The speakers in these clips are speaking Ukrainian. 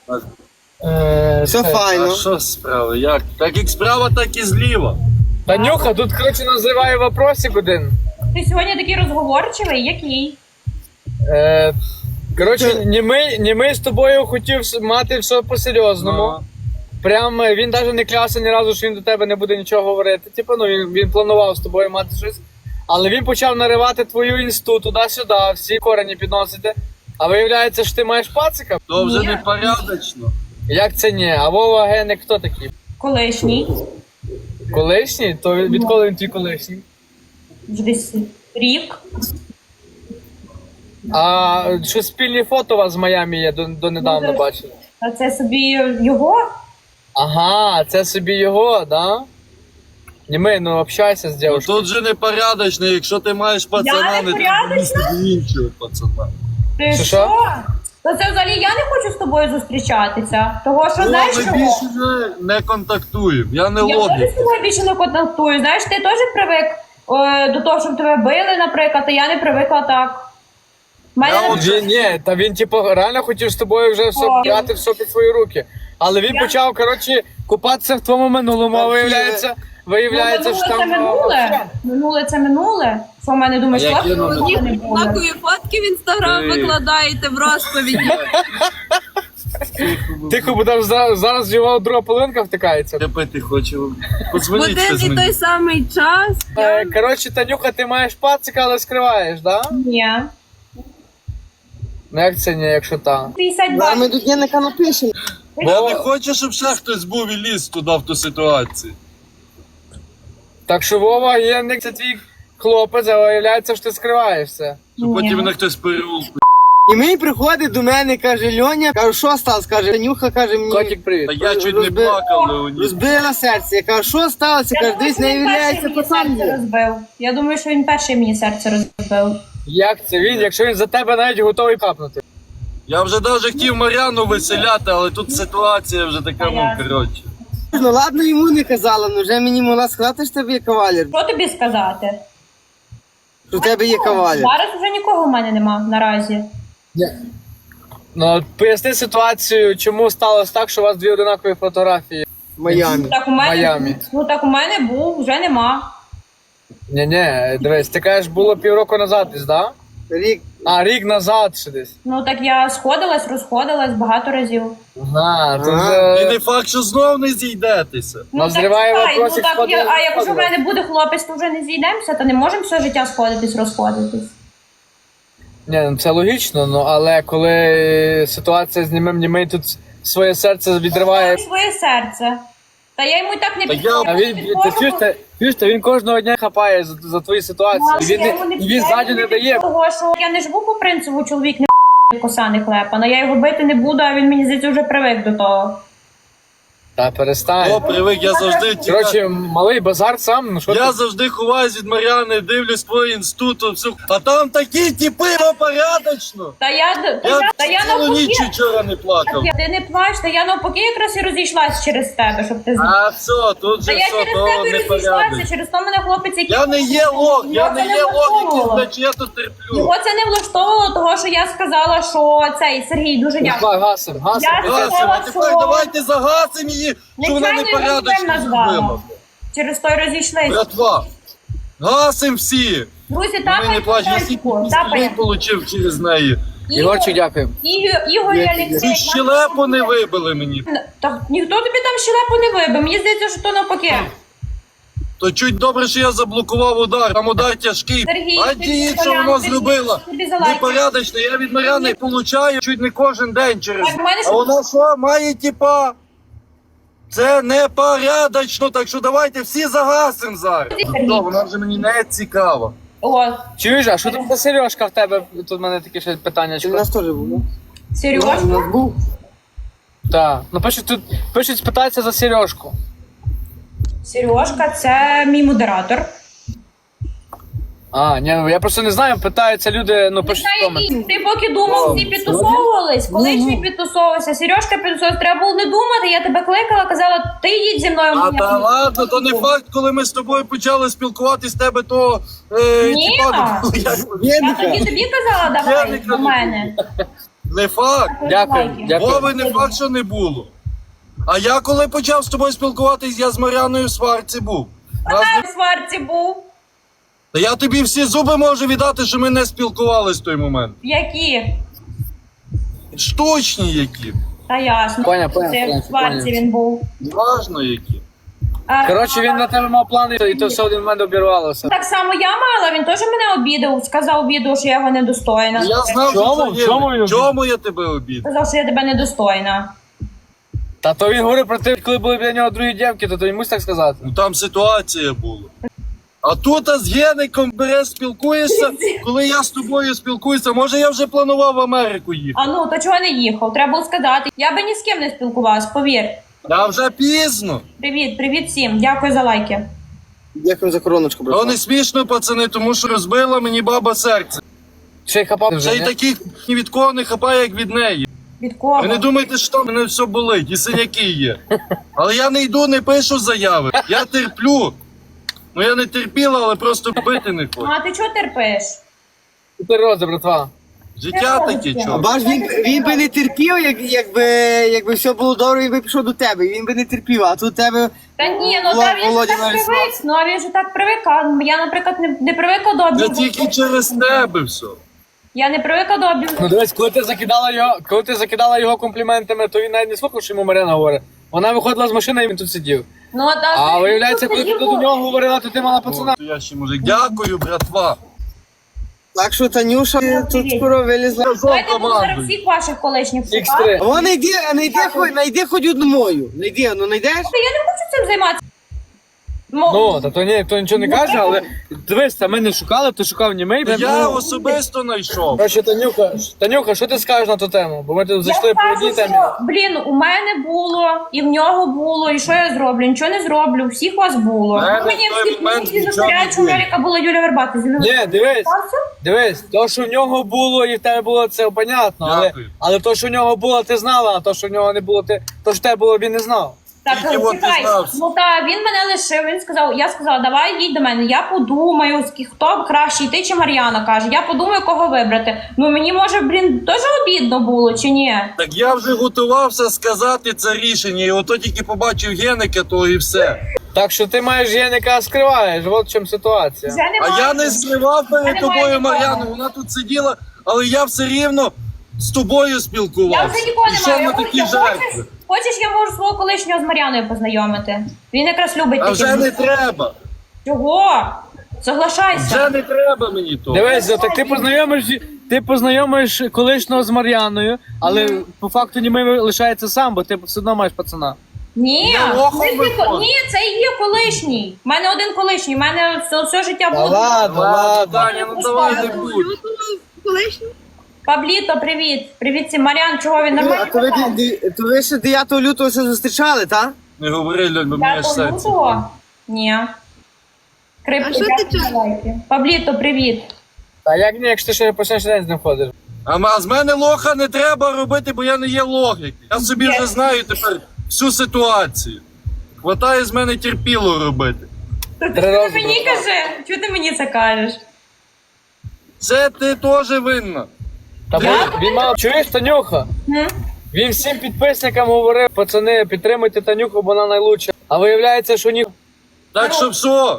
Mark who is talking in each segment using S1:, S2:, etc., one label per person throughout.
S1: Все
S2: А
S1: файно.
S2: що справа? Як? Так як справа, так і зліва.
S3: Танюха, тут, коротше, називає вопросик один.
S4: Ти сьогодні такий розговорчивий, який?
S3: Коротше, німий з тобою хотів мати все по-серйозному.
S2: Ага.
S3: Прям він навіть не клявся ні разу, що він до тебе не буде нічого говорити. Типу, ну він планував з тобою мати щось. Але він почав наривати твою інсту туди-сюди, всі корені підносити. А виявляється, що ти маєш пацика?
S2: То вже
S4: Ні.
S2: непорядочно.
S3: Як це ні? А Вова Геник хто такий?
S4: Колишній.
S3: Колишній? То відколи він твій колишній?
S4: Вже десь рік.
S3: А що спільні фото у вас з Майамі є, донедавна
S4: Ну,
S3: бачили?
S4: А це собі його?
S3: Ага, це собі його, да? Німей, ну общайся з
S2: Ну,
S3: дівчиною.
S2: тут же непорядочно, якщо ти маєш пацана, не
S4: непорядочна?
S2: треба іншого пацана.
S4: Ти
S3: Що?
S4: що? То це взагалі я не хочу з тобою зустрічатися. Того, що
S2: Ну,
S4: знаєш
S2: ми
S4: чого?
S2: більше вже не контактуємо. Я не
S4: Я
S2: лобі.
S4: теж з тобою більше не контактую. Знаєш, ти теж привик до того, щоб тебе били, наприклад, а я не привикла так.
S3: Ні, та він типу реально хотів з тобою вже все
S4: О.
S3: брати все під свої руки. Але він почав, коротше, купатися в твоєму минулому, а виявляється,
S4: Ну,
S3: що
S4: минуле це
S3: там...
S4: минуле. Минуле це минуле. Що в мене думаєш,
S2: А яке
S4: хлопці
S2: номер?
S4: минуле не було?
S5: Однакові фотки в інстаграм
S2: Ей.
S5: викладаєте в розповіді.
S3: Тихо, бо там зараз його друга половинка втикається.
S2: Я пити хочу.
S5: В
S2: Подзвоніть
S5: один
S2: щось
S5: і той
S2: мені.
S5: самий час.
S3: Коротше, Танюха, ти маєш пацика, але скриваєш, да?
S4: Ні.
S3: Ну як це ні, якщо так?
S1: А
S4: 52.
S1: ми до дняника напишемо.
S2: Я не хочу, щоб ще хтось був і ліз туди в ту ситуацію.
S3: Так що Вова Єнник, це твій хлопець, а виявляється, що ти скриваєшся.
S2: Щоб потім мене хтось переулку.
S1: І мені приходить до мене, каже Льоня, кажу, що сталося? Каже, Танюха, каже мені,
S3: Котик, привіт.
S2: Та я чуть не плакав, Леонід.
S1: розбила серце. Я кажу, що сталося?
S4: Я
S1: Каже,
S4: думаю,
S1: десь
S4: що
S1: не
S4: він
S1: являється
S4: перший мені
S1: пацан.
S4: серце розбив. Я думаю, що він перший мені серце розбив.
S3: Як це він, якщо він за тебе навіть готовий капнути?
S2: Я вже навіть хотів Мар'яну веселяти, але тут ситуація вже така, ну, коротше.
S1: Ну ладно, йому не казала, ну вже мені могла сказати, що в тебе є кавалер.
S4: Що тобі сказати?
S1: Що в тебе є кавалер.
S4: Зараз вже нікого в мене нема наразі.
S3: Ну, поясни ситуацію, чому сталося так, що у вас дві одинакові фотографії
S1: В Майамі.
S4: Так у
S3: в
S4: мене
S3: Майамі.
S4: Ну так у мене був, вже нема.
S3: Ні, дивись, ти кажеш, було півроку назад десь, да?
S1: Рік.
S3: А, рік назад ще десь.
S4: Ну так я сходилась, розходилась багато разів.
S3: Ага, то
S1: Ага.
S2: І
S3: вже...
S2: не факт, що знов не зійдетеся.
S3: Назріває
S4: так, чекай,
S3: вопросик,
S4: ну, так,
S3: сходили,
S4: а якщо в
S3: сходили.
S4: мене буде хлопець, то вже не зійдемося, то не можемо все життя сходитись, розходитись.
S3: Ні, ну це логічно, ну але коли ситуація з німей тут своє серце відриває.
S4: Своє серце. Та я йому і так не
S2: Та я-
S4: підходжу.
S3: А він, чуєш, та він кожного дня хапає за твої ситуації. І він ззаді не дає.
S4: Того, що я не живу по принципу, чоловік не коса не клепана. Я його бити не буду, а він мені здається вже привик до того.
S3: Та перестань.
S2: О, привик, я завжди тікаю.
S3: Коротше, малий базар сам, ну що
S2: Я
S3: ти?
S2: завжди ховаюсь від Мар'яни, дивлюсь твій інститут, все. А там такі типи, ну, порядочно.
S4: Та я
S2: Я цілу
S4: навпаки.
S2: ніч вчора не плакав.
S4: Ти не плач, та я навпаки якраз і розійшлась через тебе, щоб ти знав.
S2: А все, тут
S4: Та
S2: же
S4: я
S2: все,
S4: через
S2: то
S4: тебе і розійшлася,
S2: непорядок.
S4: через то мене хлопець, який...
S2: Я не є лох, я не
S4: Його це
S2: є лох, який,
S4: влаштовувало.
S2: значить, я тут терплю.
S4: Його це не влаштовувало, того, що я сказала, що цей Сергій дуже дякую.
S3: Давай, гасим.
S4: Я
S2: Гасим,
S4: сказала,
S2: а тепер
S4: що-
S2: давайте загасимо її, що вона
S4: Нечайно його
S2: непорядочно
S4: Артем назвала.
S2: зробила.
S4: Через то й розійшлися.
S2: Братва, гасим всі.
S4: Друзі,
S2: Мене
S4: тапай
S2: не плач, я стільки пістолей отримав через неї.
S3: Ігорчик, дякую.
S4: Ігор і Олексій.
S2: Чуть щелепу не вибили мені.
S4: Так ніхто тобі там щелепу не вибив. Мені здається, що то навпаки.
S2: То чуть добре, що я заблокував удар. Там удар тяжкий.
S4: Сергій,
S2: А
S4: ти
S2: діють, що
S4: Мар'яну,
S2: воно
S4: ти
S2: зробила.
S4: тобі залайкаю.
S2: Непорядочно. Я від Мар'яни получаю чуть не кожен день через.
S4: Так, в мене
S2: А
S4: що-
S2: вона що, має типа. Це непорядочно, так що давайте всі загасимо зараз.
S4: Сергій.
S2: Ну, вона вже мені не цікава.
S4: О,
S3: Чуєш, а що тут за сережка в тебе? Тут в мене таке ще питання.
S1: Чи в нас теж було?
S4: Сережка.
S1: У нас був.
S3: Так. Ну пишуть спитатися за сережку.
S4: Сережка це мій модератор.
S3: А, ні, ну я просто не знаю, питаються люди, ну пишуть в комент.
S4: Ти поки думав, всі підтусовувались, колишні підтусовувалися, Сережка підтусовувалася. Треба було не думати, я тебе кликала, казала, ти їдь зі мною.
S2: А та ладно, то не факт, коли ми з тобою почали спілкуватись, тебе то
S4: Ні.
S2: типа,
S4: Я тоді тобі казала, давай
S2: Єника
S4: до
S2: не
S4: мене.
S2: Не факт.
S3: Дякую, дякую.
S2: Вови не факт, що не було. А я коли почав з тобою спілкуватись, я з Мар'яною в сварці був. Нас не-
S4: В сварці був.
S2: Та я тобі всі зуби можу віддати, що ми не спілкувались в той момент.
S4: Які?
S2: Штучні які.
S4: Та ясно.
S3: Поняв,
S4: Це в сварці
S3: поняв.
S4: він був.
S2: Важно які.
S3: Коротше, він на тебе мав плани, і то все один в мене обірвалося.
S4: Так само я мала, він теж мене обідав. Сказав обіду, що я його недостойна.
S2: Я знав,
S3: Чому?
S2: що це є.
S3: Чому він-
S2: Чому я тебе обідав?
S4: Сказав, що я тебе недостойна.
S3: Та то він говорив про те, коли були біля нього другі дівки, то йому так сказати.
S2: Ну там ситуація була. А тут з Геником береш, спілкуєшся, коли я з тобою спілкуюся, може я вже планував в Америку їхати.
S4: А ну, то чого не їхав? Треба було сказати. Я би ні з ким не спілкувалась, повір.
S2: А вже пізно.
S4: Привіт всім. Дякую за лайки.
S1: Дякую за короночку,
S2: То
S1: брат.
S2: не смішно, пацани, тому що розбила мені баба серце.
S3: Ще й хапав
S2: Ще
S3: вже,
S2: й
S3: ні?
S2: таких ні від кого не хапає, як від неї.
S4: Від кого?
S2: Ви не думайте, що там мене все болить, і синяки є. Але я не йду, не пишу заяви. Я терплю. Ну я не терпіла, але просто бити не хочу.
S4: А ти чого терпиш?
S3: Ти рози, братва.
S2: Життя таке,
S1: А
S2: чого.
S1: бач, він би не терпів, якби все було добре, він би пішов до тебе. Він би не терпів, а тут тебе.
S4: Та ні, ну та він ж
S1: Володя
S4: так
S1: навіть
S4: привик. Ну а він же так привик. А я, наприклад, не привикла до
S2: Це
S4: обіду.
S2: тільки через тебе все.
S4: Я не привикла до обіду.
S3: Ну дивись, коли ти закидала його компліментами, то він навіть не слухав, що йому Марина говорить. Вона виходила з машини, і він тут сидів.
S4: Ну,
S3: А виявляється, коли ти до нього говорила, то ти мала пацана.
S2: Я ще мужик. Дякую, братва.
S1: Так що Танюша тут скоро вилізла.
S4: Давайте буду зараз
S2: Команду.
S4: всіх ваших колишніх шукати.
S3: X3.
S1: О, найди хоч одну мою. Найди, ну знайдеш?
S4: Я не хочу цим займатися.
S3: Ну, та то ніхто нічого не каже, але дивись, та ми не шукали, ти шукав німей.
S2: Я особисто знайшов.
S3: Короче, Танюха, що ти скажеш на ту тему? Бо ми тут зайшли по одній темі.
S4: Блін, у мене було, і в нього було, і що я зроблю? Нічого не зроблю, всіх у вас було.
S2: мене
S4: Мені
S2: в той
S4: всі
S2: момент
S4: всі
S2: нічого
S4: застряють,
S2: не
S4: що у
S2: було.
S4: Леріка була Юля Вербата.
S3: Ні, дивись, то, що в нього було і в тебе було, це понятно.
S2: Дякую.
S3: Але то, що в нього було, ти знала, а то, що в нього не було, то, що в тебе було, він не знав.
S4: Так,
S2: Тільки от
S4: чекай.
S2: дізнався.
S4: Ну та він мене лишив. Він сказав, я сказала, давай їдь до мене. Я подумаю, хто краще йти, чи Мар'яна каже. Я подумаю, кого вибрати. Ну мені може, блін, теж обідно було, чи ні?
S2: Так я вже готувався сказати це рішення, і ото тільки побачив Геника, то і все.
S3: Так що ти маєш Єника скриваєш, от в чому ситуація.
S4: Вже немає.
S2: А я не скривав
S4: Я
S2: перед
S4: не
S2: тобою
S4: маю нікого.
S2: Мар'яну, вона тут сиділа, але я все рівно з тобою
S4: Я
S2: спілкувався.
S4: вже нікого не
S2: Пішов
S4: маю.
S2: на такі жертви.
S4: Хочеш, я можу свого колишнього з Мар'яною познайомити. Він якраз любить
S2: А
S4: такі.
S2: вже не треба.
S4: Чого? Соглашайся.
S2: Вже не треба мені того.
S3: Дивись, так ти познайомиш колишнього з Мар'яною, але по факту німий лишається сам, бо ти все одно маєш пацана.
S4: Ні,
S2: Я лохом
S4: це
S2: виходжу.
S4: ні, це і є колишній. У мене один колишній, у мене все життя було.
S2: Ладно, Таня, ну давай не будь.
S5: Колишню?
S4: Пабліто, привіт. Привіт всім. Мар'ян, чого він
S1: А
S4: нормально?
S1: то ви ще 9 лютого все зустрічали, так?
S2: Не говори, Льоль, бо мені аж серце.
S4: Лютого? Ні.
S5: А що ти чого?
S4: Пабліто, привіт.
S3: А як ні, якщо ти ще по сьогоднішній день з ним ходиш?
S2: А з мене лоха не треба робити, бо я не є логік. Я собі вже знаю тепер всю ситуацію. Хватає з мене терпіло робити.
S4: Ти
S3: рази
S4: мені кажи, чого ти мені це кажеш?
S2: Це ти теж винна.
S3: Та він мав, чуєш, Танюха?
S4: М?
S3: Він всім підписникам говорив, пацани, підтримуйте Танюху, бо вона найлучша. А виявляється, що ні.
S2: Так що все.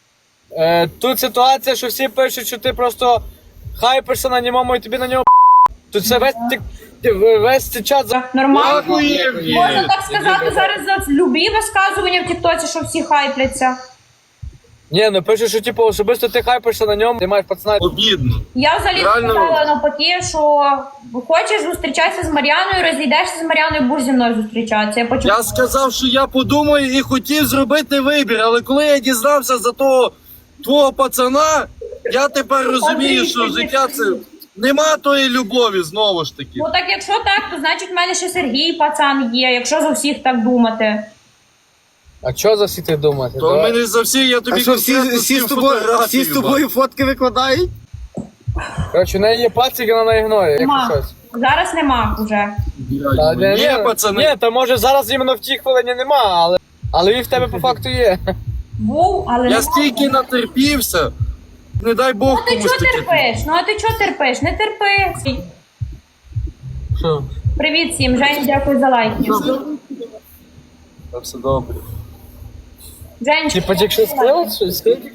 S3: Тут ситуація, що всі пишуть, що ти просто хайпишся на ньому і тобі на нього тут це весь цей чат за...
S4: Нормально.
S2: Дякую,
S4: Можна
S2: Євгеній.
S4: так сказати зараз за любі висказування в Тіктоці, що всі хайпляться.
S3: Ні, ну пишуть, що типу особисто ти хайпишся на ньому, ти маєш пацана.
S2: Обідно.
S4: Я взагалі
S2: Реально?
S4: сказала навпаки, що хочеш зустрічатися з Мар'яною, розійдешся з Мар'яною, будеш зі мною зустрічатися. Я почула.
S2: Я сказав, що я подумаю і хотів зробити вибір, але коли я дізнався за того твого пацана, я тепер розумію, що життя це нема тої любові знову ж таки.
S4: Ну так якщо так, то значить в мене ще Сергій пацан є, якщо за всіх так думати.
S3: А чого за всі ти думати?
S2: То в мене за всі, я тобі
S1: А що,
S2: конкретно
S1: всі
S2: цю
S1: з тобою,
S2: фотографію
S1: всі з тобою фотки викладають?
S3: Коротше, в неї є пацик, вона не ігнорує,
S4: Нема.
S3: якщо щось.
S4: Зараз нема вже.
S3: Та,
S2: бачу. Ні, пацани.
S3: Ні, то може зараз іменно в тій хвилині нема, але він в тебе по факту є.
S4: Був, але
S2: Я
S4: нема.
S2: стільки натерпівся, не дай Бог
S4: Ну ти
S2: комусь
S4: чого
S2: таке.
S4: терпиш? Ну а ти чого терпиш? Не терпи.
S3: Що?
S4: Привіт всім, Жень, дякую за лайки.
S2: Та все добре.
S4: Жень,
S3: Типа, якщо склеїть, щось склеїть?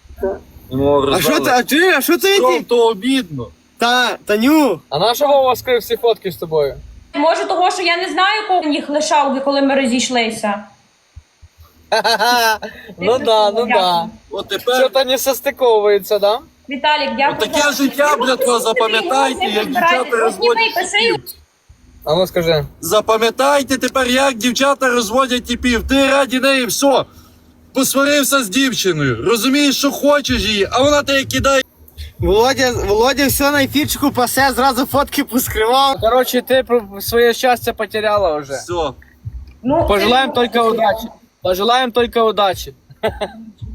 S1: А що це
S2: Що
S1: ти?
S2: то обідно?
S1: Таню.
S3: А на що Вова скрив всі фотки з тобою?
S4: може того, що я не знаю, кого їх лишав, коли ми розійшлися.
S3: Ну да, ну да.
S2: От тепер
S3: Що-то не состиковується, да?
S4: Віталік, дякую.
S2: таке життя, братва, запам'ятайте, як дівчата розводять типів.
S3: А ну скажи.
S2: Запам'ятайте тепер, як дівчата розводять типів. Ти раді неї все. Посварився з дівчиною. Розумієш, що хочеш її, а вона тебе кидає.
S1: Володя все на ефірчику пасе, зразу фотки поскривав.
S3: Короче, ти своє щастя потеряла вже.
S2: Все.
S4: Ну,
S3: Пожелаем только удачи. Пожелаем только удачи.